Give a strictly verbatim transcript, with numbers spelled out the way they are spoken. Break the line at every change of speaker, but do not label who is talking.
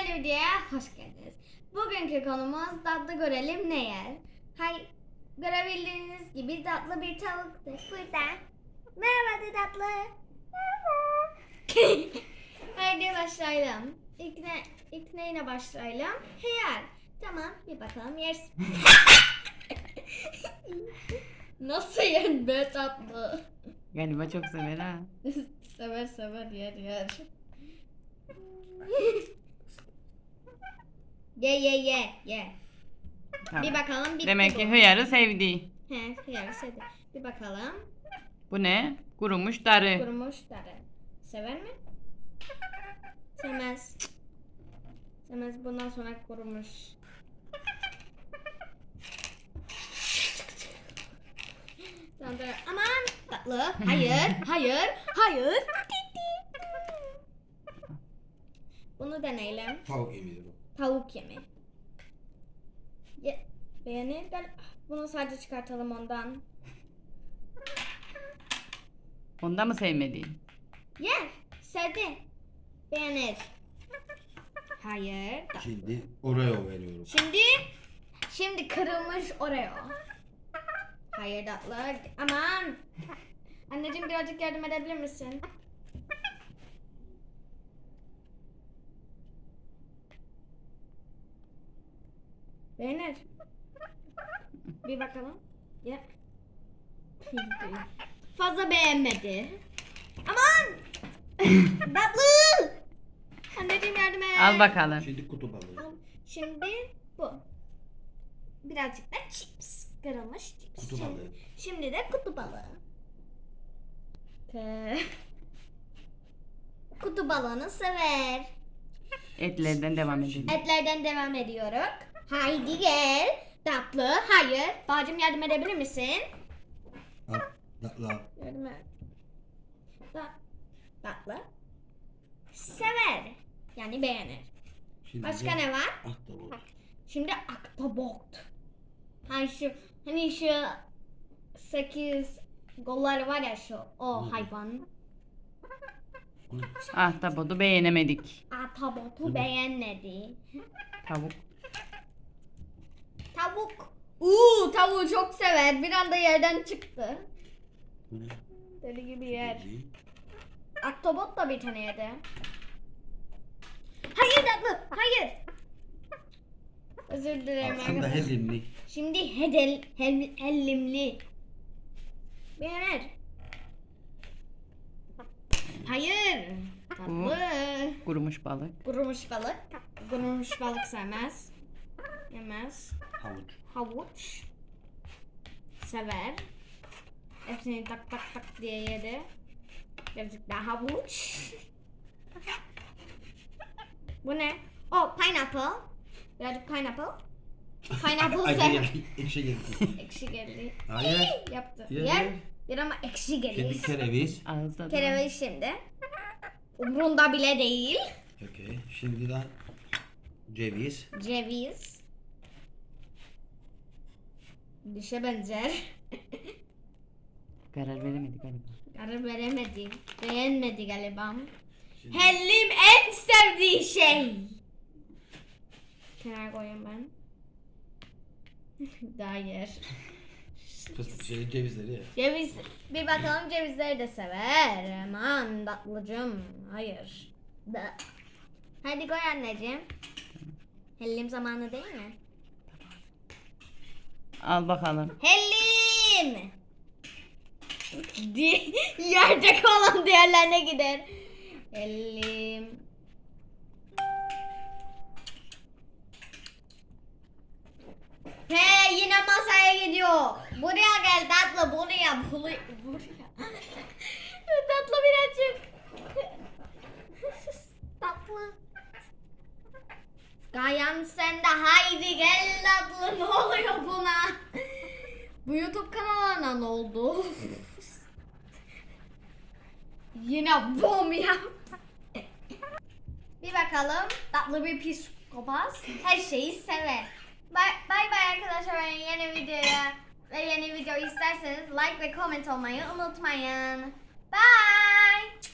yeni videoya hoş geldiniz. Bugünkü konumuz tatlı görelim ne yer? Hay, görebildiğiniz gibi tatlı bir tavuktur burada. Merhaba de tatlı. Merhaba. Haydi başlayalım. İlk, ne, ilk neyle başlayalım? Hıyar. Tamam, bir bakalım yersin. Nasıl yen be tatlı?
Galiba çok sever ha.
Sever sever yer yer. Ye ye ye ye.
Tamam.
Bir bakalım bitti
Demek
bu.
ki hıyarı sevdi.
He, hıyar sevdi. Bir bakalım.
Bu ne? Kurumuş darı.
Kurumuş darı. Sever mi? Sevmez. Sevmez. Bundan sonra kurumuş. Sonra aman tatlı. Hayır, hayır, hayır. Bunu deneyelim.
Tavuk yemeği bu.
Tavuk yemeği. Ye, beğenir gel. Bunu sadece çıkartalım ondan.
Onda mı sevmedi?
Yer. Sevdi. Beğenir. Hayır.
Şimdi Oreo veriyorum.
Şimdi şimdi kırılmış Oreo. Hayır tatlı. Aman. Anneciğim birazcık yardım edebilir misin? Beğenir. Bir bakalım. Ya. Fazla beğenmedi. Aman. Tatlı. Anneciğim yardım et.
Al bakalım.
Şimdi kutu balığı.
Şimdi bu. Birazcık da chips. Kırılmış chips.
Kutu
Şimdi-
balığı.
Şimdi de kutu balığı. K- Kutu balığını sever.
Etlerden devam edelim.
Etlerden devam ediyoruz. Haydi gel. Tatlı. Hayır. Bacım yardım edebilir misin?
Al. Tatlı al.
Yardım et. Ta- Tatlı. Sever. Yani beğenir.
Şimdi
Başka
de
ne var?
Ahtapot.
Şimdi ahtapot. Hani şu hani şu sekiz golları var ya şu o hayvan.
Ahtapotu beğenemedik.
Ahtapotu beğenmedi.
Tavuk.
Tavuk. Uuu tavuğu çok sever. Bir anda yerden çıktı.
Bu ne?
Deli gibi yer.
Değil.
Ahtapot da bir tane yedi. Hayır tatlı. Hayır. Özür dilerim.
Arkanda
arkadaşlar.
hezimli.
Şimdi hedel, hel, hellimli. Beğenir. Hayır. Tatlı.
Kurumuş balık.
Kurumuş balık. Kurumuş balık sevmez. Yemez.
Havuç.
Havuç. Sever. Hepsini tak tak tak diye yedi. Birazcık daha havuç. Bu ne? Oh pineapple. Birazcık pineapple. Pineapple
Ay
sever.
geldi. Ekşi geldi.
Ekşi geldi.
Hayır.
Yaptı.
Yer,
Yer.
yer.
Yer ama ekşi
Şimdi
gelir.
kereviz.
Ağızda da.
Kereviz şimdi. Umrunda bile değil.
Okey. Şimdi de ceviz.
Ceviz. Dişe benzer.
Karar veremedik galiba.
Karar veremedi. Beğenmedi galiba.
Şimdi
Hellim en sevdiği şey. Kenara koyayım ben. Daha yer.
fıstık şey cevizleri ya.
Ceviz. Bir bakalım cevizleri de sever. Aman tatlıcım. Hayır. Da. Hadi koy anneciğim. Hellim zamanı değil mi?
Al bakalım.
Hellim. Di yerde kalan diğerlerine gider. Hellim. He yine masaya gidiyor. Buraya gel tatlı buraya buraya. buraya. Tatlı birazcık. Tatlı. Kayan sen de haydi gel tatlı ne oluyor buna? Bu YouTube kanalına ne oldu? Yine bom ya. Bir bakalım tatlı bir psikopat her şeyi sever. Bay bay bay arkadaşlar, ben yeni videoya ve yeni video isterseniz like ve comment olmayı unutmayın. Bye.